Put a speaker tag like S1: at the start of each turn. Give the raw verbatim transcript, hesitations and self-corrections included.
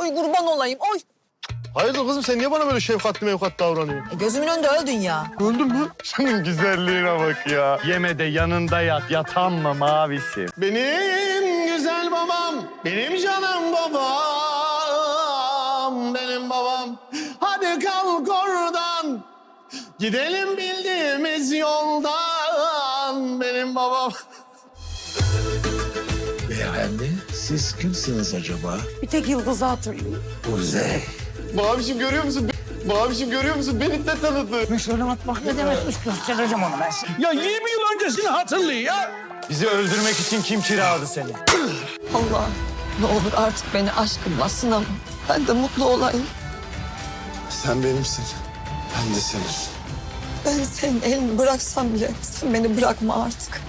S1: Oy kurban olayım, oy.
S2: Hayırdır kızım sen niye bana böyle şefkatli mevkat davranıyorsun?
S1: E, gözümün önünde öldün ya.
S2: Öldün mü? Senin güzelliğine bak ya. Yeme de yanında yat, yatan mı mavisi? Benim güzel babam, benim canım babam, benim babam. Hadi kalk oradan, gidelim bildiğimiz yoldan, benim babam.
S3: Beyefendi, siz kimsiniz acaba?
S1: Bir tek Yıldız'ı hatırlıyorum.
S3: Kuzey.
S2: Mavişim görüyor musun? Mavişim görüyor musun? Beni de tanıdı.
S4: Şöyle bak ne demekmiş göstereceğim onu ben sana. Ya yirmi yıl öncesini hatırlıyor ya.
S2: Bizi öldürmek için kim kiraladı seni?
S1: Allah ne olur artık beni aşkınla sınama. Ben de mutlu olayım.
S3: Sen benimsin. Ben de senin.
S1: Ben senin elini bıraksam bile sen beni bırakma artık.